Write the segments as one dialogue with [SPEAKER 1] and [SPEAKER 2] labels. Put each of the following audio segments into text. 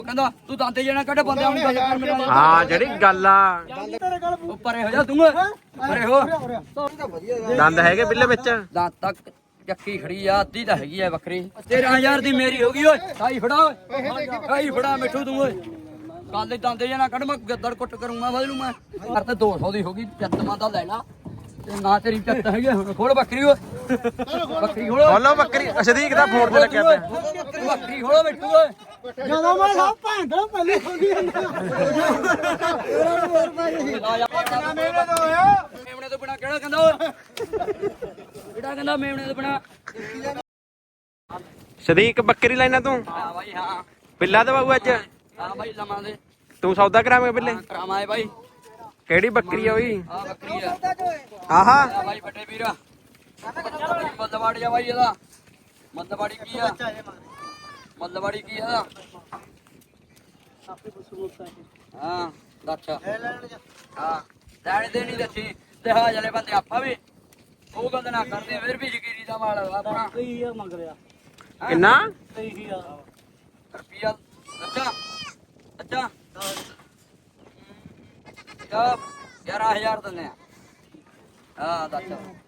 [SPEAKER 1] ਕਹਿੰਦਾ ਤੂੰ ਦੰਦੇ ਜਣਾ ਕੱਢ ਬੰਦੇ ਆਉਣ ਗੱਲ ਕਰ ਮੇਰੇ ਨਾਲ।
[SPEAKER 2] ਹਾਂ ਜਿਹੜੀ ਗੱਲ ਆ
[SPEAKER 1] ਪਰੇ ਹੋ ਜਾ ਤੂੰ ਪਰੇ ਹੋ।
[SPEAKER 2] ਦੰਦ ਹੈਗੇ ਬਿੱਲੇ ਵਿੱਚ।
[SPEAKER 1] ਦੰਦ ਤੱਕ ਚੱਕੀ ਖੜੀ ਆ ਅੱਧੀ ਤਾਂ ਹੈਗੀ ਆ ਬੱਕਰੀ 13000 ਦੀ ਮੇਰੀ ਹੋ ਗਈ ਓਏ ਸਾਈ ਫੜਾ ਓਏ ਸਾਈ ਫੜਾ ਮਿੱਠੂ ਤੂੰ ਓਏ ਕੱਲ ਦੰਦੇ ਜਣਾ ਕੱਢ ਮੈਂ ਗੱਦੜ ਕੁੱਟ ਕਰੂੰਗਾ ਬਦਲੂ ਮੈਂ ਕਰ ਤੇ 200 ਦੀ ਹੋ ਗਈ ਚੱਤਮਾਂ ਦਾ ਲੈ ਲਾ ਤੇ ਨਾ ਤੇਰੀ ਚੱਤ ਹੈਗੀ ਹੁਣ ਖੋਲ ਬੱਕਰੀ ਓਏ ਬੱਕਰੀ
[SPEAKER 2] ਖੋਲੋ ਬੱਕਰੀ ਸਦੀਕ ਦਾ ਫੋਨ ਤੇ ਲੱਗਿਆ ਪਿਆ।
[SPEAKER 1] ਬੱਕਰੀ ਖੋਲੋ ਮਿੱਠੂ ਓਏ
[SPEAKER 3] ਜਦੋਂ ਮੈਂ ਸਭ ਭਾਂਡਾ ਪਹਿਲੇ ਖੋਲੀ ਜਾਂਦਾ
[SPEAKER 1] ਮੇਮਣੇ ਤੋਂ ਬਿਨਾ ਕਿਹੜਾ ਕਹਿੰਦਾ ਓਏ ਕਿਹੜਾ ਕਹਿੰਦਾ ਮੇਮਣੇ ਤੋਂ ਬਿਨਾ
[SPEAKER 2] ਸਦੀਕ ਬੱਕਰੀ ਲੈਣਾ ਤੂੰ।
[SPEAKER 1] ਹਾਂ ਬਾਈ ਹਾਂ
[SPEAKER 2] ਬਿੱਲਾ ਦਵਾਊ ਅੱਜ।
[SPEAKER 1] ਹਾਂ ਬਾਈ ਲਵਾਂਗੇ
[SPEAKER 2] ਤੂੰ ਸੌਦਾ ਕਰਾਵੇਂ ਬਿੱਲੇ।
[SPEAKER 1] ਕਰਾਵਾਂਗੇ ਬਾਈ
[SPEAKER 2] ਕਿਹੜੀ ਬੱਕਰੀ ਆ ਓਈ।
[SPEAKER 1] ਆ ਬੱਕਰੀ ਆ
[SPEAKER 2] ਆਹਾ
[SPEAKER 1] ਆ ਬਾਈ ਵੱਡੇ ਵੀਰਾ ਮੱਲਵਾੜੀ ਆ ਬਾਈ ਇਹਦਾ ਮੱਲਵਾੜੀ ਕੀ ਆ ਮੱਲਵਾੜੀ ਕੀ ਆ ਹਾਂ ਦੱਸ ਹਾਂ ਲੈਣ ਦੇ ਨਹੀਂ ਦੱਸੀ ਤੇ ਹਾਂ ਜਲੇ ਬੰਦੇ ਆਪਾਂ ਵੀ ਉਹ ਗੱਲ ਨਾ ਕਰਦੇ ਫਿਰ ਵੀ ਜ਼ਕੀਰੀ ਦਾ ਮਾਲ ਆਪਣਾ
[SPEAKER 3] ਕਈ ਮੰਗ ਰਿਹਾ
[SPEAKER 2] ਕਿੰਨਾ
[SPEAKER 1] ਰੁਪਿਆ ਅੱਛਾ ਅੱਛਾ ਯਾ 11000 ਦਿੰਦੇ ਆ ਹਾਂ ਦੱਸ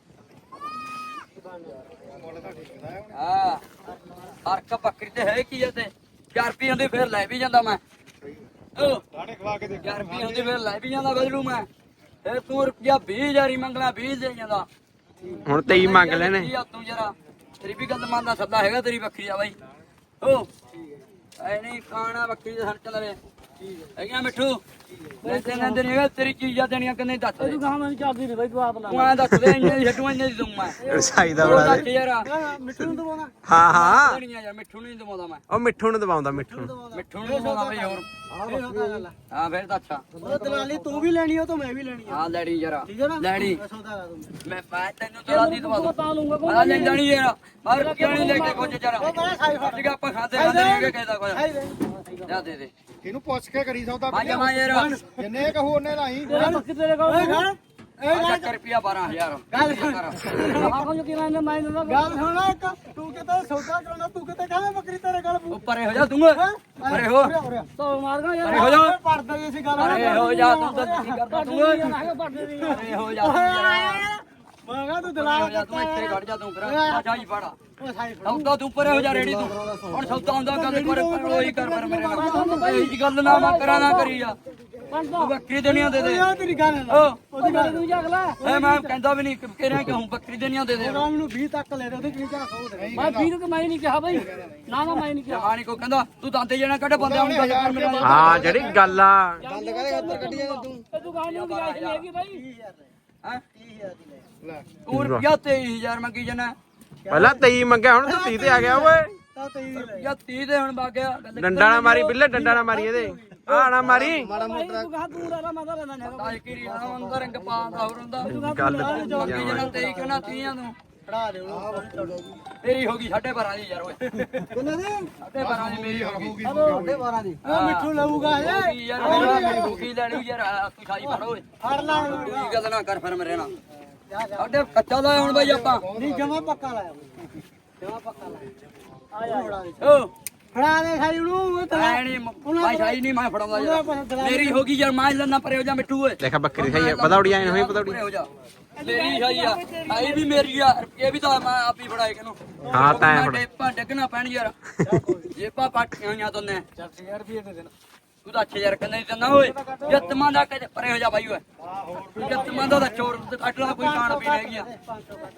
[SPEAKER 1] ਹਾਂ ਫਰਕ ਬੱਕਰੀ ਤੇ ਹੈ ਕੀ ਤੇ 4 ਰੁਪਏ ਹੁੰਦੇ ਫਿਰ ਲੈ ਵੀ ਜਾਂਦਾ ਮੈਂ ਦਾਣੇ ਖਵਾ ਕੇ ਦੇ 4 ਰੁਪਏ ਹੁੰਦੇ ਫਿਰ ਲੈ ਵੀ ਜਾਂਦਾ ਬਦਲੂ ਮੈਂ ਫਿਰ ਤੂੰ ਰੁਪਿਆ 20000 ਹੀ ਮੰਗਣਾ 20 ਦੇ ਜਾਂਦਾ
[SPEAKER 2] ਹੁਣ 23 ਮੰਗ ਲੈਣੇ।
[SPEAKER 1] ਤੂੰ ਜਰਾ ਤੇਰੀ ਵੀ ਗੱਲ ਮੰਨਦਾ ਸੱਦਾ ਹੈਗਾ ਤੇਰੀ ਬੱਕਰੀ ਆ ਬਾਈ ਓ ਐ ਨਹੀਂ ਖਾਣਾ ਬੱਕਰੀ ਦੇ ਸਣ ਚੱਲਵੇ ਹੈਗਾ ਮਿੱਠੂ ਲੈਂਦੇ ਲੈਂਦੇ ਨਹੀਂ ਹੈਗਾ ਤੇਰੀ ਚੀਜ਼ਾਂ ਦੇਣੀਆਂ ਕਿੰਨੇ ਦੱਸ ਦੇ
[SPEAKER 3] ਤੂੰ ਕਹਾਂ ਮੈਨੂੰ ਚੱਲਦੀ ਨਹੀਂ ਬਾਈ ਤੂੰ ਆਪ ਲਾ
[SPEAKER 1] ਤੂੰ ਐਂ ਦੱਸ ਦੇ ਇੰਨੇ ਦੀ ਛੱਡੂ ਇੰਨੇ ਦੀ ਦੂੰ ਮੈਂ
[SPEAKER 2] ਰਸਾਈ ਦਾ ਬੜਾ
[SPEAKER 1] ਦੱਸ ਯਾਰ
[SPEAKER 3] ਮਿੱਠੂ ਨੂੰ ਦਵਾਉਣਾ
[SPEAKER 2] ਹਾਂ ਹਾਂ
[SPEAKER 1] ਦੇਣੀਆਂ ਯਾਰ ਮਿੱਠੂ ਨੂੰ ਨਹੀਂ ਦਵਾਉਂਦਾ ਮੈਂ
[SPEAKER 2] ਉਹ ਮਿੱਠੂ ਨੂੰ ਦਵਾਉਂਦਾ ਮਿੱਠੂ ਨੂੰ।
[SPEAKER 1] ਮਿੱਠੂ ਨੂੰ ਦਵਾਉਂਦਾ ਬਈ ਹੋਰ ਹਾਂ ਫਿਰ ਤਾਂ ਅੱਛਾ
[SPEAKER 3] ਉਹ ਦਲਾਲੀ ਤੂੰ ਵੀ ਲੈਣੀ ਉਹ ਤਾਂ ਮੈਂ ਵੀ ਲੈਣੀ ਆ
[SPEAKER 1] ਹਾਂ ਲੈਣੀ ਯਾਰ
[SPEAKER 3] ਠੀਕ ਹੈ ਨਾ
[SPEAKER 1] ਲੈਣੀ
[SPEAKER 3] ਸੌਦਾ ਲਾ ਦੂੰ
[SPEAKER 1] ਮੈਂ ਪਾ ਤੈਨੂੰ ਤਲਾ ਦੀ ਦਵਾ ਦੂੰ
[SPEAKER 3] ਤਾਂ ਲੂੰਗਾ
[SPEAKER 1] ਆ ਲੈ ਜਾਣੀ ਯਾਰ ਬਾਹਰ ਕਿਉਂ ਨਹੀਂ ਲੈ ਕੇ ਕੁਝ ਜਰਾ ਠੀਕ ਆਪਾਂ ਖਾਤੇ ਖਾਂਦੇ ਨਹੀਂ ਕਹਿਦਾ ਕੁਝ ਜਾ ਦੇ ਦੇ
[SPEAKER 4] ਇਹਨੂੰ ਪੁੱਛ ਕੇ ਕਰੀ ਸੌਦਾ
[SPEAKER 1] ਪੰਜ ਮਾ ਯਾਰ
[SPEAKER 4] ਜਿੰਨੇ ਕਹੂ ਉਹਨੇ ਲਾਈ
[SPEAKER 3] ਤੇਰਾ ਬੱਕਰੀ ਤੇਰੇ ਕੋਲ
[SPEAKER 1] ਚੱਕ ਰੁਪਿਆ 12000
[SPEAKER 3] ਗੱਲ ਆਖੋ ਜੋ ਕਿਨਾਂ ਨੇ ਮੈਂ ਦਿੰਦਾ ਗੱਲ ਸੁਣ ਇੱਕ ਤੂੰ ਕਿਤੇ ਸੌਦਾ ਕਰਾਉਣਾ ਤੂੰ ਕਿਤੇ ਕਹਿੰਦਾ ਬੱਕਰੀ ਤੇਰੇ ਕੋਲ
[SPEAKER 1] ਉੱਪਰੇ ਹੋ ਜਾ ਤੂੰ ਪਰੇ ਹੋ
[SPEAKER 3] ਤੋ ਮਾਰਗਾ ਯਾਰ
[SPEAKER 1] ਪਰੇ ਹੋ ਜਾ
[SPEAKER 3] ਪੜਦਾ ਜੀ ਸੀ ਗੱਲ
[SPEAKER 1] ਪਰੇ ਹੋ ਜਾ ਤੂੰ ਤਾਂ ਕੀ ਕਰਦਾ ਤੂੰ
[SPEAKER 3] ਪੜਦੇ ਦੀ
[SPEAKER 1] ਪਰੇ ਹੋ ਜਾ
[SPEAKER 3] ਮੈਂ ਕਹਾਂ ਤੂੰ
[SPEAKER 1] ਹੋ
[SPEAKER 3] ਦਲਾਲ
[SPEAKER 1] ਜਾ ਤੂੰ ਇੱਥੇ ਖੜ ਜਾ ਤੂੰ ਕਰਾ ਜਾਈ ਫੜਾ
[SPEAKER 3] ਉਹ ਸਾਈ
[SPEAKER 1] ਸੌਦਾ ਤੂੰ ਪਰੇ ਹੋ ਜਾ ਰੇੜੀ ਤੂੰ ਹੁਣ ਸੌਦਾ ਹੁੰਦਾ ਗੱਲ ਪਰ ਉਹੀ ਕਰ ਪਰ ਮੇਰੇ ਨਾਲ ਇਹ ਗੱਲ ਨਾ ਮੈਂ ਕਰਾਂ ਨਾ ਕਰੀ ਜਾ ਤੂੰ ਬੱਕਰੀ ਦੇਣੀਆਂ ਦੇ ਦੇ
[SPEAKER 3] ਯਾਰ ਤੇਰੀ ਗੱਲ
[SPEAKER 1] ਓ
[SPEAKER 3] ਉਹਦੀ ਗੱਲ ਤੂੰ ਜਗ ਲੈ
[SPEAKER 1] ਐ ਮੈਂ ਕਹਿੰਦਾ ਵੀ ਨਹੀਂ ਕਹਿ ਰਿਹਾ ਕਿ ਹੂੰ ਬੱਕਰੀ ਦੇਣੀਆਂ ਦੇ ਦੇ
[SPEAKER 3] ਉਹਨਾਂ ਮੈਨੂੰ 20 ਤੱਕ ਲੈ ਦੇ ਉਹਦੇ ਕਿੰਨੀ ਝਾਕ ਹੋ ਮੈਂ 20 ਨੂੰ ਮੈਂ ਨਹੀਂ ਕਿਹਾ ਬਾਈ ਨਾ ਨਾ ਮੈਂ ਨਹੀਂ ਕਿਹਾ
[SPEAKER 1] ਜਮਾਨੀ ਕੋ ਕਹਿੰਦਾ ਤੂੰ ਦੰਦੇ ਜਣਾ ਕੱਢ ਬੰਦੇ ਆਉਣ ਗੱਲ ਕਰ ਮੇਰੇ ਨਾਲ
[SPEAKER 2] ਹਾਂ ਜਿਹੜੀ ਗੱਲ ਆ
[SPEAKER 3] ਗੱਲ ਕਰੇ ਉੱਧਰ ਕੱਢੀ ਜਾ ਤੂੰ ਗਾਂ ਨੂੰ ਗਿਆ ਸੀ ਹੈਗੀ ਬਾਈ
[SPEAKER 1] ਹੈ
[SPEAKER 3] 30000 ਦੀ ਲੈ
[SPEAKER 1] ਤੂੰ ਰੁਪਿਆ 23000 ਮੰਗੀ ਜਣਾ
[SPEAKER 2] ਪਹਿਲਾਂ 23 ਮੰਗਿਆ ਹੁਣ ਤੂੰ 30 ਤੇ ਆ ਗਿਆ ਓਏ।
[SPEAKER 3] ਤਾਂ 23 ਲੈ
[SPEAKER 1] ਜਾਂ 30 ਦੇ ਹੁਣ ਬਾਗਿਆ
[SPEAKER 2] ਡੰਡਾ ਨਾ ਮਾਰੀ ਬਿੱਲੇ ਡੰਡਾ ਨਾ ਮਾਰੀ ਇਹਦੇ ਆ ਨਾ ਮਾਰੀ
[SPEAKER 3] ਬਾਈ ਤੂੰ ਕਹਾ ਤੂੰ ਰਾ ਮੈਂ ਤਾਂ ਲੈਣਾ ਹੈਗਾ
[SPEAKER 1] ਤਾਜ ਕੀ ਰਿਹਾ ਅੰਦਰ ਰੰਗ ਪਾਉਂਦਾ ਹੋਰ ਹੁੰਦਾ
[SPEAKER 2] ਗੱਲ
[SPEAKER 1] ਮੰਗੀ ਜਣਾ 23 ਕਹਿਣਾ 30 ਨੂੰ
[SPEAKER 3] ਫੜਾ ਦੇ ਉਹਨੂੰ
[SPEAKER 1] ਮੇਰੀ ਹੋ ਗਈ 12.5 ਦੀ ਯਾਰ ਓਏ
[SPEAKER 3] ਕਿੰਨੇ ਦੀ
[SPEAKER 1] 12.5 ਦੀ ਮੇਰੀ ਹੋ ਗਈ
[SPEAKER 3] ਹਲੋ 12 ਦੀ ਉਹ ਮਿੱਠੂ ਲਊਗਾ
[SPEAKER 1] ਹੋ
[SPEAKER 3] ਇਹ
[SPEAKER 1] ਗਈ ਯਾਰ ਮੇਰੀ ਹੋ ਗਈ ਲੈਣੀ ਯਾਰ ਤੂੰ ਖਾਈ ਫੜ ਓਏ
[SPEAKER 3] ਫੜ ਲਾ
[SPEAKER 1] ਕੀ ਗੱਲ ਨਾ ਕਰ ਫਿਰ ਮੇਰੇ ਨਾਲ ਸਾਡੇ ਕੱਚਾ ਲਾਇਆ ਹੁਣ ਬਾਈ ਆਪਾਂ
[SPEAKER 3] ਨਹੀਂ ਜਮਾ ਪੱਕਾ ਲਾਇਆ ਜਮਾ ਪੱਕਾ ਲਾਇਆ ਆ ਜਾ
[SPEAKER 1] ਓ
[SPEAKER 3] ਫੜਾ ਦੇ ਸਾਈ ਨੂੰ ਉਹ ਤਾਂ
[SPEAKER 1] ਐ ਨਹੀਂ ਭਾਈ ਸਾਈ ਨਹੀਂ ਮੈਂ ਫੜਾਉਂਦਾ ਯਾਰ ਮੇਰੀ ਹੋ ਗਈ ਯਾਰ ਮੈਂ ਲੈਣਾ ਪਰੇ ਹੋ ਜਾ ਮਿੱਠੂ ਓਏ
[SPEAKER 2] ਦੇਖਾ ਬੱਕਰੀ ਖਾਈ ਪਤੌੜੀ ਆਏ ਹੋਈ ਪਤੌੜੀ
[SPEAKER 1] ਪਰੇ ਹੋ ਜਾ ਮੇਰੀ ਸਾਈ ਆ ਸਾਈ ਵੀ ਮੇਰੀ ਆ ਇਹ ਵੀ ਤਾਂ ਮੈਂ ਆਪ ਹੀ ਫੜਾਏ ਕਿਨੂੰ
[SPEAKER 2] ਹਾਂ ਤਾਂ ਐਂ ਫੜ।
[SPEAKER 1] ਡੇਪਾ ਡੱਗਣਾ ਪੈਣ ਯਾਰ ਜੇਪਾ ਪਾਟੀਆਂ ਜਾਂ ਦੋਨੇ
[SPEAKER 3] 4000 ਰੁਪਏ ਦੇ ਦੇਣਾ
[SPEAKER 1] ਤੂੰ ਤਾਂ 8000 ਕਹਿੰਦਾ ਨਹੀਂ ਦਿੰਦਾ ਓਏ ਜੱਤਮਾਂ ਦਾ ਕਦੇ ਪਰੇ ਹੋ ਜਾ ਬਾਈ ਓਏ ਜੱਤਮਾਂ ਦਾ ਚੋਰ ਕੱਟ ਲਾ ਕੋਈ ਖਾਣ ਪੀਣ ਹੈਗੀ ਆ
[SPEAKER 3] 500 ਕੱਢ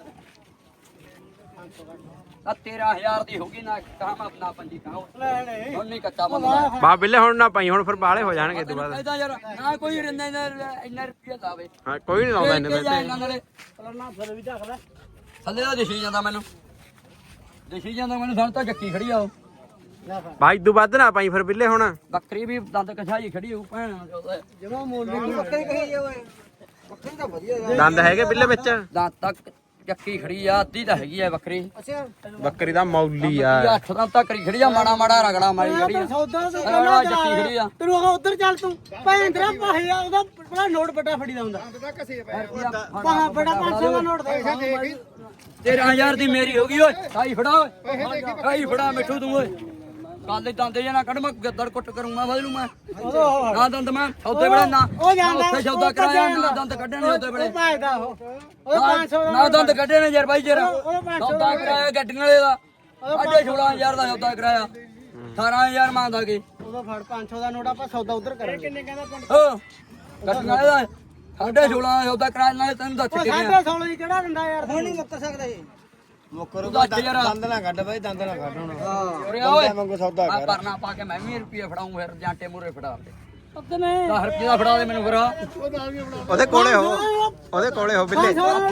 [SPEAKER 1] 13000 ਦੀ ਹੋ ਗਈ ਨਾ ਕਾਮ ਆਪਣਾ ਪੰਜੀ ਕਾਹ
[SPEAKER 3] ਲੈ ਲੈ
[SPEAKER 1] ਹੁਣ ਨਹੀਂ ਕੱਚਾ ਬੰਦਾ
[SPEAKER 2] ਬਾ ਬਿੱਲੇ ਹੁਣ ਨਾ ਪਾਈ ਹੁਣ ਫਿਰ ਬਾਲੇ ਹੋ ਜਾਣਗੇ ਇਸ ਤੋਂ ਬਾਅਦ।
[SPEAKER 1] ਇਹਦਾ ਯਾਰ ਨਾ ਕੋਈ ਰਿੰਦਾ ਇੰਨਾ ਰੁਪਿਆ ਲਾਵੇ
[SPEAKER 2] ਹਾਂ ਕੋਈ ਨਹੀਂ ਲਾਉਂਦਾ ਇਹਨੇ ਤੇ
[SPEAKER 1] ਇਹਨਾਂ ਨਾਲੇ
[SPEAKER 3] ਨਾ ਫਿਰ ਵੀ ਝੱਕ ਲੈ
[SPEAKER 1] ਥੱਲੇ ਦਾ ਦਿਖੀ ਜਾਂਦਾ ਮੈਨੂੰ ਦਿਖੀ ਜਾਂਦਾ ਮੈਨੂੰ ਸਾਨੂੰ ਤਾਂ ਜੱਕੀ ਖੜੀ ਆ ਉਹ
[SPEAKER 3] ਲੈ ਫੜ
[SPEAKER 2] ਬਾਈ ਤੋਂ ਵੱਧ ਨਾ ਪਾਈ ਫਿਰ ਬਿੱਲੇ ਹੁਣ
[SPEAKER 1] ਬੱਕਰੀ ਵੀ ਦੰਦ ਕਛਾਈ ਖੜੀ ਹੋਊ ਭੈਣ ਉਹਦਾ
[SPEAKER 3] ਜਮਾ ਮੋਲ ਦੇ ਬੱਕਰੀ ਕਹੀ ਓਏ ਬੱਕਰੀ ਤਾਂ ਵਧੀਆ
[SPEAKER 2] ਦੰਦ ਹੈਗੇ ਬਿੱਲੇ ਵਿੱਚ।
[SPEAKER 1] ਦੰਦ ਤੱਕ ਚੱਕੀ ਖੜੀ ਆ ਅੱਧੀ ਤਾਂ ਹੈਗੀ ਆ ਬੱਕਰੀ
[SPEAKER 3] ਅੱਛਾ
[SPEAKER 2] ਬੱਕਰੀ ਦਾ ਮੌਲੀ ਆ।
[SPEAKER 1] 8 ਦੰਦ ਤੱਕ ਖੜੀ ਆ ਮਾੜਾ ਮਾੜਾ ਰਗੜਾ ਮਾਰੀ ਖੜੀ ਆ
[SPEAKER 3] ਸੌਦਾ ਤਾਂ
[SPEAKER 1] ਰਗੜਾ ਚੱਕੀ ਖੜੀ ਆ
[SPEAKER 3] ਤੈਨੂੰ ਉਹ ਉੱਧਰ ਚੱਲ ਤੂੰ ਭੈਣ ਤੇਰਾ ਪਾਹਿਆ ਉਹਦਾ ਬੜਾ ਨੋਟ ਵੱਡਾ ਫੜੀ ਦਾ ਹੁੰਦਾ
[SPEAKER 4] ਦਾ ਕਸੇ ਪੈ
[SPEAKER 3] ਪਾਹਾ ਬੜਾ 500 ਦਾ ਨੋਟ ਦੇ
[SPEAKER 1] 13000 ਦੀ ਮੇਰੀ ਹੋ ਗਈ ਓਏ ਸਾਈ ਫੜਾ ਓਏ ਸਾਈ ਫੜਾ ਮਿੱਠੂ ਤੂੰ ਓਏ ਕੱਲ ਦੇ ਦੰਦੇ ਜੇ ਨਾ ਕੱਢ ਮੈਂ ਗੱਦੜ ਕੁੱਟ ਕਰੂੰਗਾ ਬਦਲੂ ਮੈਂ ਨਾ ਦੰਦ ਮੈਂ ਸੌਦੇ ਵੇਲੇ ਨਾ
[SPEAKER 3] ਉਹ ਜਾਂਦਾ
[SPEAKER 1] ਉੱਥੇ ਸੌਦਾ ਕਰਾਇਆ ਨਾ ਦੰਦ ਕੱਢਣੇ ਉਹਦੇ ਵੇਲੇ
[SPEAKER 3] ਭਾਜਦਾ ਉਹ 500 ਦਾ
[SPEAKER 1] ਨਾ ਦੰਦ ਕੱਢੇ ਨੇ ਯਾਰ ਬਾਈ ਜਰਾ ਸੌਦਾ ਕਰਾਇਆ ਗੱਡੀਆਂ ਵਾਲੇ ਦਾ 16000 ਦਾ ਸੌਦਾ ਕਰਾਇਆ 18000 ਮੰਗਦਾ ਕੇ
[SPEAKER 3] ਉਦੋਂ ਫੜ 500 ਦਾ ਨੋਟ ਆਪਾਂ ਸੌਦਾ ਉਧਰ ਕਰਾਂਗੇ ਕਿੰਨੇ ਕਹਿੰਦਾ
[SPEAKER 1] ਹੋ ਗੱਡੀਆਂ ਵਾਲੇ ਦਾ 16000 ਦਾ ਸੌਦਾ ਕਰਾਇਆ ਨਾਲੇ ਤੈਨੂੰ ਦੱਸ ਕੇ ਗਿਆ
[SPEAKER 3] 16 ਦੀ ਕਿਹੜਾ ਦਿੰਦਾ ਯਾਰ ਹੁਣ ਨਹੀਂ ਮੁੱਕਰ ਸਕਦਾ ਇਹ
[SPEAKER 4] ਮੁੱਕਰ
[SPEAKER 1] ਦੱਸ ਯਾਰ
[SPEAKER 4] ਦੰਦ ਨਾ ਕੱਢ ਬਾਈ ਦੰਦ ਨਾ ਕੱਢ ਹੁਣ
[SPEAKER 1] ਉਰੇ ਆ ਓਏ
[SPEAKER 4] ਮੰਗੋ ਸੌਦਾ
[SPEAKER 1] ਆ
[SPEAKER 4] ਕਰ
[SPEAKER 1] ਪਰਨਾ ਪਾ ਕੇ ਮੈਂ ਵੀ ਰੁਪਏ ਫੜਾਉਂ ਫਿਰ ਜਾਂਟੇ ਮੂਰੇ ਫੜਾ ਦੇ 10 ਰੁਪਏ ਦਾ ਫੜਾ ਦੇ ਮੈਨੂੰ ਫਿਰ
[SPEAKER 2] ਉਹਦੇ ਕੋਲੇ ਹੋ ਉਹਦੇ ਕੋਲੇ ਹੋ ਬਿੱਲੇ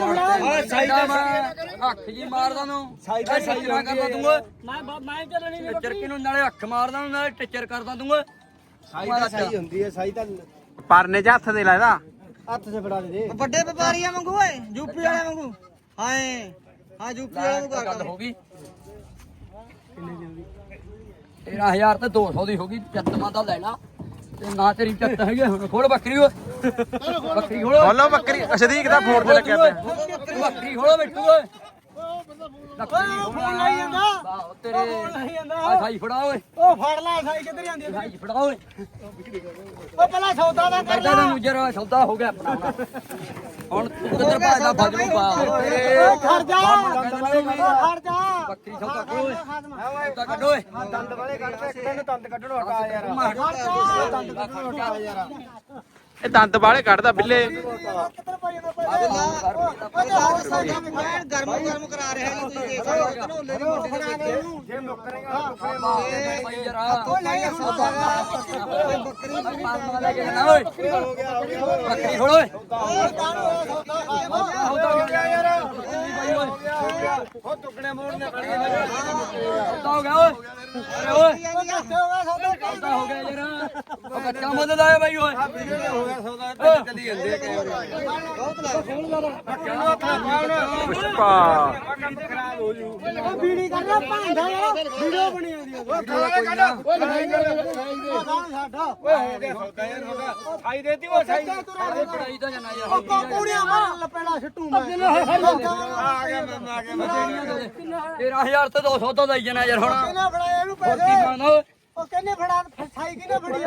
[SPEAKER 1] ਅੱਖ ਜੀ ਮਾਰਦਾ ਨੂੰ ਸਾਈ ਨਾ ਕਰਦਾ ਤੂੰ ਮੈਂ ਚੱਲਣੀ ਚਰਕੀ ਨੂੰ ਨਾਲੇ ਅੱਖ ਮਾਰਦਾ ਨੂੰ ਨਾਲੇ ਟਿੱਚਰ ਕਰਦਾ ਤੂੰ
[SPEAKER 4] ਸਾਈ ਤਾਂ ਸਹੀ ਹੁੰਦੀ ਹੈ ਸਾਈ ਤਾਂ
[SPEAKER 2] ਪਰਨੇ 'ਚ ਹੱਥ ਦੇ ਲੈ ਇਹਦਾ
[SPEAKER 4] ਹੱਥ 'ਚ ਫੜਾ ਦੇ
[SPEAKER 3] ਵੱਡੇ ਵਪਾਰੀਆਂ ਵਾਂਗੂ ਓਏ ਯੂਪੀ ਵਾਲਿਆਂ ਵਾਂਗੂ ਹਾਏ ਹਾਂ ਯੂਪੀ ਵਾਲਿਆਂ ਵਾਂਗੂ
[SPEAKER 1] ਗੱਲ ਹੋ ਗਈ 13000 ਤੇ 200 ਦੀ ਹੋ ਗਈ ਚੱਤਮਾ ਦਾ ਲੈ ਲਾ ਤੇ ਨਾ ਤੇਰੀ ਚੱਤ ਹੈਗੀ ਹੁਣ ਖੋਲ ਬੱਕਰੀ ਓਏ ਬੱਕਰੀ ਖੋਲੋ
[SPEAKER 2] ਬੋਲੋ ਬੱਕਰੀ ਸਦੀਕ ਦਾ ਫੋਨ ਤੇ ਲੱਗਿਆ ਪਿਆ
[SPEAKER 1] ਬੱਕਰੀ ਖੋਲੋ ਬਿੱਟੂ ਓਏ
[SPEAKER 3] ਫੋਨ ਲਾਈ ਜਾਂਦਾ
[SPEAKER 1] ਤੇਰੇ ਆ ਸਾਈ ਫੜਾ ਓਏ
[SPEAKER 3] ਉਹ ਫੜ ਲੈ ਸਾਈ ਕਿੱਧਰ ਜਾਂਦੀ
[SPEAKER 1] ਸਾਈ ਫੜਾ ਓਏ
[SPEAKER 3] ਉਹ ਪਹਿਲਾਂ ਸੌਦਾ ਦਾ ਕਰ
[SPEAKER 1] ਕਰਦਾ ਤੈਨੂੰ ਜਰਾ ਸੌਦਾ ਹੋ ਗਿਆ ਆਪਣਾ ਹੁਣ ਤੂੰ ਕਿੱਧਰ ਭਾਜਦਾ ਫੱਜ ਨੂੰ ਪਾ
[SPEAKER 3] ਉਹ ਖੜ ਜਾ ਖੜ ਜਾ
[SPEAKER 1] ਬੱਕਰੀ ਸੌਦਾ ਕਰੋ ਓਏ ਸੌਦਾ ਕੱਢੋ ਓਏ
[SPEAKER 4] ਦੰਦ ਵਾਲੇ ਕੱਢ ਤੇ ਇੱਕ ਦਿਨ ਦੰਦ ਕੱਢਣੋਂ ਹਟਾ ਯਾਰ ਦੰਦ ਕੱਢਣੋਂ ਹਟਾ ਯਾਰ
[SPEAKER 2] ਇਹ ਦੰਦ ਬਾਲੇ ਕੱਢਦਾ ਬਿੱਲੇ
[SPEAKER 3] ਕਿੱਧਰ ਪਾਈ ਗਰਮ ਗਰਮ ਕਰਾ ਰਿਹਾ ਜੀ ਤੁਸੀਂ ਦੇਖ ਧਨੋਲੇ ਦੀ ਮੋਟੀ ਦੇ ਵਿੱਚ
[SPEAKER 4] ਜੇ ਮੁੱਕਰੇਗਾ ਮੁੱਕਰੇ
[SPEAKER 1] ਭਾਈ ਜਰਾ
[SPEAKER 3] ਨਹੀਂ ਸੌਦਾ
[SPEAKER 1] ਬੱਕਰੀ ਲੈ ਕੇ ਨਾ ਓਏ ਬੱਕਰੀ ਖੋਲ ਓਏ
[SPEAKER 4] ਹੋ ਗਿਆ ਯਾਰ ਉਹ ਟੁਕੜੇ ਮੋੜਨੇ ਪੈਣਗੇ
[SPEAKER 1] ਸੌਦਾ ਹੋ ਗਿਆ ਓਏ ਅਰੇ ਓਏ ਸੌਦਾ ਹੋ ਗਿਆ ਯਾਰ ਉਹ ਕੱਚਾ ਮਦਦ ਆਇਆ ਬਾਈ ਓਏ
[SPEAKER 4] ਹੋ ਗਿਆ ਸੌਦਾ ਤੇ ਚੱਲੀ ਜਾਂਦੇ ਆ
[SPEAKER 2] ਪੁਸ਼ਪਾ
[SPEAKER 4] ਖਰਾਬ ਹੋ ਜੂ
[SPEAKER 3] ਬੀੜੀ ਕਰਨਾ ਭਾਂਡਾ ਵੀਡੀਓ ਬਣੀ ਆਉਂਦੀ
[SPEAKER 4] ਉਹ
[SPEAKER 3] ਸਾਡਾ
[SPEAKER 4] ਹੋ ਗਿਆ ਸੌਦਾ ਯਾਰ ਹੋ ਗਿਆ ਸਾਈ ਦੇਤੀ ਉਹ ਸਾਈ
[SPEAKER 1] ਪੜਾਈ ਤਾਂ ਜਾਣਾ ਯਾਰ
[SPEAKER 3] ਕੁੜੀਆਂ ਮਾਰ ਲਪੇੜਾ ਛੱਟੂ ਮੈਂ
[SPEAKER 4] ਆ ਗਿਆ ਮੈਂ
[SPEAKER 1] 13000 ਤੇ 200 ਤੋਂ ਦਈ ਜਾਣਾ ਯਾਰ ਹੁਣ
[SPEAKER 3] ਕਿਹਨੇ ਫੜਾਇਆ ਇਹਨੂੰ
[SPEAKER 1] ਹੋਰ ਕੀ
[SPEAKER 3] ਪੈਸੇ
[SPEAKER 1] ਮੰਗਦਾ ਓਏ
[SPEAKER 3] ਉਹ ਕਿਹਨੇ ਫੜਾ ਸਾਈ ਕਿਹਨੇ ਫੜੀ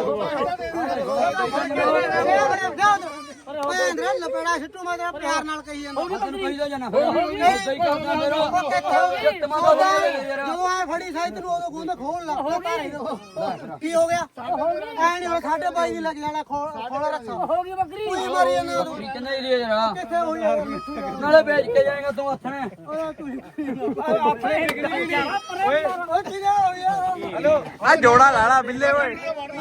[SPEAKER 3] ਭੈਣ ਲਪੇੜਾ ਛੱਟੂ ਮੈਂ ਤੇਰਾ ਪਿਆਰ ਨਾਲ ਕਹੀ ਜਾਂਦਾ
[SPEAKER 1] ਤੈਨੂੰ ਕਹੀ ਤਾਂ ਜਾਣਾ ਫਿਰ ਸਹੀ ਕਰਦਾ ਮੇਰਾ ਜੱਤਮਾ ਦਾ ਯਾਰ
[SPEAKER 3] ਜਦੋਂ ਐ ਫੜੀ ਸਾਈ ਤੈਨੂੰ ਉਦੋਂ ਖੂਨ ਖੋਲ ਲਾ ਕੀ ਹੋ ਗਿਆ ਐ ਨਹੀਂ ਸਾਡੇ ਬਾਈ ਦੀ ਲੱਗ ਜਾਣਾ ਖੋਲ ਰੱਖਾ ਹੋ ਗਈ ਬੱਕਰੀ ਕੋਈ ਮਾਰੀ ਜਾਂਦਾ ਉਦੋਂ
[SPEAKER 1] ਕਿੰਨੇ ਹੀ ਲਿਆ ਜਰਾ
[SPEAKER 3] ਕਿੱਥੇ ਹੋਈ ਯਾਰ ਮਿੱਠੂ
[SPEAKER 1] ਨਾਲੇ ਵੇਚ ਕੇ ਜਾਏਗਾ ਤੂੰ ਹੱਥਣੇ
[SPEAKER 3] ਓਏ ਕੀ ਹੋ ਗਿਆ
[SPEAKER 2] ਆ ਜੋੜਾ ਲਾਲਾ ਬਿੱਲੇ ਓਏ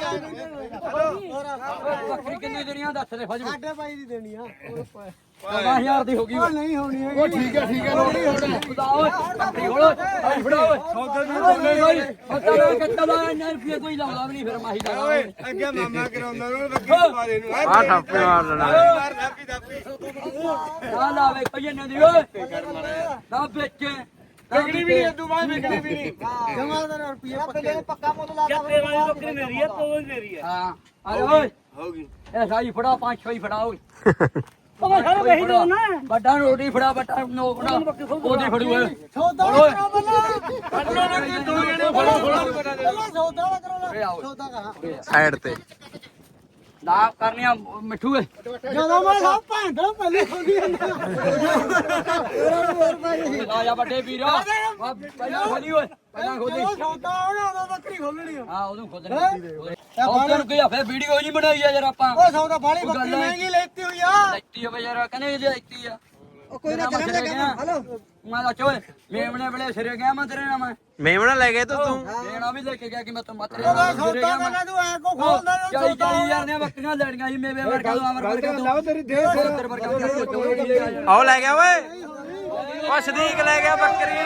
[SPEAKER 1] ਬੱਕਰੀ ਕਿੰਨੀ ਦੇਣੀਆਂ ਦੱਸ ਦੇ ਫਜੂ
[SPEAKER 3] ਸਾਡੇ ਬਾਈ ਦੀ ਦੇਣੀ ਆ
[SPEAKER 1] 14000 ਦੀ ਹੋ ਗਈ
[SPEAKER 3] ਉਹ ਨਹੀਂ ਹੋਣੀ ਹੈਗੀ
[SPEAKER 4] ਉਹ ਠੀਕ ਹੈ ਲੋੜੀ ਹੋਣੀ
[SPEAKER 1] ਖੁਦਾ ਓਏ ਬੱਕਰੀ ਖੋਲੋ ਭਾਈ ਫੜਾ ਓਏ ਸੌਦੇ ਦੀ ਬੋਲੇ ਭਾਈ ਸੌਦਾ ਦਾ ਕੱਟਾ ਦਾ ਇੰਨਾ ਰੁਪਏ ਕੋਈ ਲਾਉਂਦਾ ਵੀ ਨਹੀਂ ਫਿਰ ਮਾਹੀ ਦਾ
[SPEAKER 4] ਓਏ ਅੱਗੇ ਮਾਮਾ ਕਰਾਉਂਦਾ ਨੂੰ ਬੱਕੀ ਮਾਰੇ ਨੂੰ
[SPEAKER 2] ਆ ਠਾਪੇ ਮਾਰ ਲੈਣਾ
[SPEAKER 4] ਮਾਰ ਦਾਪੀ ਦਾਪੀ
[SPEAKER 1] ਨਾ ਲਾਵੇ ਕੋਈ ਇਹਨਾਂ ਦੀ ਓਏ ਨਾ ਵੇਚੇ
[SPEAKER 4] ਵਿਕੜੀ ਵੀ ਨਹੀਂ ਤੂੰ ਬਾਅਦ ਵਿਕੜੀ ਵੀ ਨਹੀਂ
[SPEAKER 3] ਜਮਾ ਦਾ ਰੁਪਿਆ ਪਹਿਲੇ ਪੱਕਾ ਮੁੱਲ ਲਾ ਦੇ ਬੱਕਰੀ ਮੇਰੀ ਆ ਤੂੰ ਮੇਰੀ ਆ
[SPEAKER 1] ਹਾਂ ਅਰੇ ਓਏ
[SPEAKER 4] ਹੋ ਗਈ
[SPEAKER 1] ਇਹ ਸਾਈ ਫੜਾ 5-6 ਹੀ ਫੜਾ ਓਏ
[SPEAKER 3] ਉਹ ਸਾਰੇ ਵੇਹੀ ਦੋ ਨਾ
[SPEAKER 1] ਵੱਡਾ ਰੋਟੀ ਫੜਾ ਵੱਡਾ ਨੋ ਫੜਾ ਉਹਦੀ ਫੜੂ ਓਏ
[SPEAKER 3] ਸੌਦਾ ਕਰੋ ਬੱਲਾ
[SPEAKER 4] ਦੋ ਜਣੇ ਫੜੋ
[SPEAKER 3] ਸੌਦਾ ਕਰੋ ਸੌਦਾ ਕਹਾ
[SPEAKER 2] ਸਾਈਡ ਤੇ
[SPEAKER 1] ਨਾ ਕਰਨੀਆਂ ਮਿੱਠੂ ਏ
[SPEAKER 3] ਜਦੋਂ ਮੈਂ ਸਭ ਭਾਂਡਾ ਪਹਿਲੇ ਖੋਲੀ ਜਾਂਦਾ ਹੋਰ ਭਾਈ
[SPEAKER 1] ਆ ਜਾ ਵੱਡੇ ਵੀਰ ਪਹਿਲਾਂ ਖੋਲੀ ਓਏ ਪਹਿਲਾਂ ਖੋਲੀ
[SPEAKER 3] ਸੌਦਾ ਆਉਣਾ ਉਦੋਂ ਬੱਕਰੀ ਖੋਲਣੀ ਆ
[SPEAKER 1] ਹਾਂ ਉਹਨੂੰ ਖੋਲਣੀ ਸੌਦੇ ਨੂੰ ਕੀ ਆ ਫਿਰ ਵੀਡੀਓ ਜੀ ਬਣਾਈ ਆ ਯਾਰ ਆਪਾਂ
[SPEAKER 3] ਉਹ ਸੌਦਾ ਬਾਲੀ ਬੱਕਰੀ ਮਹਿੰਗੀ ਲੈਤੀ ਹੋਈ ਆ
[SPEAKER 1] ਲੈਤੀ ਆ ਯਾਰ ਕਹਿੰਦੇ ਇਹ ਲੈਤੀ ਆ
[SPEAKER 3] ਉਹ ਕੋਈ ਨਾ ਚੱਲਣ ਲੱਗਾ ਹਲੋ
[SPEAKER 1] ਮੈਂ ਤਾਂ ਚੋਏ ਮੇਮਣੇ ਵੇਲੇ ਸਿਰੇ ਗਿਆ ਮੈਂ ਤੇਰੇ ਨਾਲ ਮੈਂ
[SPEAKER 2] ਮੇਮਣਾ ਲੈ ਗਏ ਤੂੰ
[SPEAKER 1] ਦੇਣਾ ਵੀ ਲੈ ਕੇ ਗਿਆ ਕਿ ਮੈਂ ਤੂੰ ਮਤਰੇ
[SPEAKER 3] ਉਹਦਾ ਸੌਦਾ ਕਰਨਾ ਤੂੰ ਐ ਕੋ ਖੋਲਦਾ ਨਾ
[SPEAKER 1] 40,000 ਦੀਆਂ ਬੱਕਰੀਆਂ ਲੈਣੀਆਂ ਸੀ ਮੇਵੇ ਵਰਗਾ ਅਮਰ ਵਰਗਾ
[SPEAKER 4] ਲਾਓ ਤੇਰੀ ਦੇ
[SPEAKER 1] ਤੇਰੇ ਵਰਗਾ
[SPEAKER 2] ਆਓ ਲੈ ਗਿਆ ਓਏ ਓ ਸਦੀਕ ਲੈ ਗਿਆ ਬੱਕਰੀ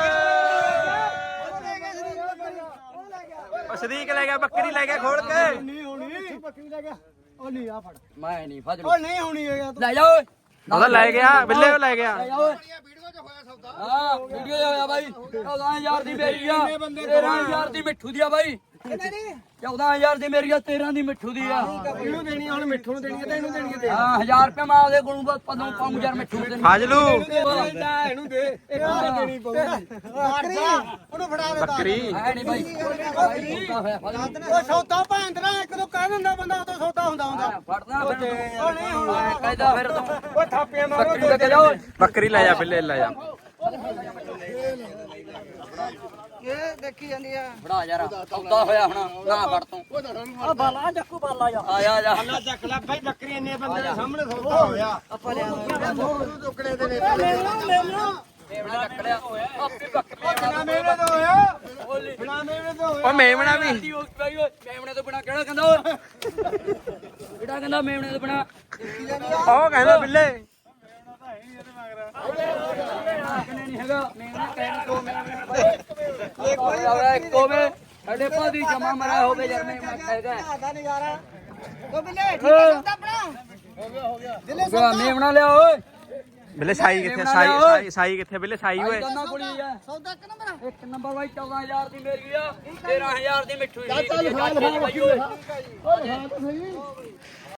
[SPEAKER 2] ਓ ਸਦੀਕ ਲੈ ਗਿਆ ਬੱਕਰੀ ਲੈ ਗਿਆ ਖੋਲ ਕੇ
[SPEAKER 3] ਨਹੀਂ ਹੋਣੀ ਬੱਕਰੀ ਲੈ ਗਿਆ ਉਹ ਨਹੀਂ ਆ ਫੜ
[SPEAKER 1] ਮੈਂ ਨਹੀਂ ਫਜ
[SPEAKER 3] ਉਹ ਨਹੀਂ ਹੋਣੀ ਹੈਗਾ ਤੂੰ
[SPEAKER 1] ਲੈ ਜਾ ਓਏ
[SPEAKER 2] ਉਹਦਾ ਲੈ ਗਿਆ ਬਿੱਲੇ ਉਹ ਲੈ ਗਿਆ
[SPEAKER 1] ਲੈ ਜਾ ਓਏ ਵੀਡੀਓ 'ਚ ਹੋਇਆ ਸੌਦਾ ਹਾਂ ਵੀਡੀਓ 'ਚ ਹੋਇਆ ਬਾਈ 14000 ਦੀ ਮੇਰੀ ਆ 13000 ਦੀ ਮਿੱਠੂ ਦੀ ਆ ਬਾਈ 14000 ਦੀ ਮੇਰੀ ਆ 13 ਦੀ ਮਿੱਠੂ ਦੀ ਆ
[SPEAKER 4] ਇਹਨੂੰ ਦੇਣੀ ਹੁਣ ਮਿੱਠੂ ਨੂੰ ਦੇਣੀ ਹੈ ਤੇ ਇਹਨੂੰ ਦੇਣੀ ਹੈ
[SPEAKER 1] ਹਾਂ 1000 ਰੁਪਏ ਮੈਂ ਆਪਦੇ ਕੋਲੋਂ ਬਸ ਪਦੋਂ ਪਾਉਂ ਯਾਰ ਮਿੱਠੂ ਦੇ
[SPEAKER 2] ਫਾਜਲੂ
[SPEAKER 4] ਇਹਨੂੰ ਦੇ ਇਹਨੂੰ ਦੇਣੀ ਪਊਗੀ
[SPEAKER 3] ਬੱਕਰੀ ਉਹਨੂੰ ਫੜਾ ਦੇ
[SPEAKER 2] ਬੱਕਰੀ
[SPEAKER 1] ਹੈ ਨਹੀਂ ਬਾਈ
[SPEAKER 3] ਉਹ ਸੌਦਾ ਭੈਂਦਰਾ ਇੱਕ ਤੋਂ ਕਹਿ ਦਿੰਦਾ ਬੰਦਾ ਉਦੋਂ ਸੌਦਾ ਹੁੰਦਾ
[SPEAKER 1] ਫੜਨਾ ਫਿਰ ਕਹਿੰਦਾ ਫਿਰ ਤੂੰ
[SPEAKER 4] ਓਏ ਥਾਪੀਆਂ ਮਾਰੋ
[SPEAKER 1] ਬੱਕਰੀ ਲੈ ਕੇ ਜਾਓ
[SPEAKER 2] ਬੱਕਰੀ ਲੈ ਜਾ ਬਿੱਲੇ ਲੈ ਜਾ
[SPEAKER 3] ਇਹ ਦੇਖੀ ਜਾਂਦੀ ਆ
[SPEAKER 1] ਫੜਾ ਯਾਰ ਸੌਦਾ ਹੋਇਆ ਹੁਣ ਨਾ ਫੜ ਤੂੰ
[SPEAKER 3] ਆ ਬਾਲਾ ਚੱਕੂ ਬਾਲਾ ਜਾ
[SPEAKER 1] ਆ ਜਾ
[SPEAKER 4] ਅੱਲਾ ਚੱਕ ਲੈ ਭਾਈ ਬੱਕਰੀ ਇੰਨੇ ਬੰਦੇ ਦੇ ਸਾਹਮਣੇ ਸੌਦਾ ਹੋਇਆ
[SPEAKER 3] ਆਪਾਂ ਲਿਆ
[SPEAKER 4] ਟੁਕੜੇ ਦੇ ਨੇ
[SPEAKER 1] ਮੇਵਣਾ ਚੱਕ ਲਿਆ ਆਪੇ ਬੱਕਰੀ
[SPEAKER 4] ਬਿਨਾ ਮੇਵੇ ਤੋਂ ਹੋਇਆ ਬਿਨਾ ਮੇਵੇ ਤੋਂ ਹੋਇਆ
[SPEAKER 2] ਉਹ ਮੇਮਣਾ ਵੀ
[SPEAKER 1] ਮੇਵਣੇ ਤੋਂ ਬਿਨਾ ਕਿਹੜਾ ਕਹਿੰਦਾ ਓਏ ਕਿਹੜਾ ਕਹਿੰਦਾ ਮੇਵਣੇ ਤੋਂ ਬਿਨਾ
[SPEAKER 2] ਉਹ ਕਹਿੰਦਾ ਬਿੱਲੇ
[SPEAKER 1] ਨਹੀਂ ਹੈਗਾ ਮੇਵਣਾ ਕਹਿਣ ਤੋਂ ਮੇਵਣੇ ਇੱਕੋ ਵੇ ਸਾਡੇ ਭਾਦੀ ਜਮਾ ਮਰਾ ਹੋਵੇ ਯਾਰ ਮੇਵਣਾ ਕਹੇਗਾ
[SPEAKER 3] ਆਦਾ ਨਜ਼ਾਰਾ ਉਹ ਬਿੱਲੇ ਠੀਕ ਹੈ ਸੌਦਾ ਆਪਣਾ
[SPEAKER 1] ਹੋ ਗਿਆ ਮੇਵਣਾ ਲਿਆ ਓਏ
[SPEAKER 2] ਬਿੱਲੇ ਸਾਈ ਕਿੱਥੇ ਸਾਈ ਸਾਈ ਕਿੱਥੇ ਬਿੱਲੇ ਸਾਈ ਓਏ
[SPEAKER 1] ਦੋਨਾਂ ਕੋਲ ਹੀ ਆ
[SPEAKER 3] ਸੌਦਾ ਇੱਕ ਨੰਬਰ
[SPEAKER 1] ਇੱਕ ਨੰਬਰ ਬਾਈ 14000 ਦੀ ਮੇਰੀ ਆ 13000 ਦੀ ਮਿੱਠੂ ਦੀ
[SPEAKER 4] ਚੱਲ ਖਾ ਲਓ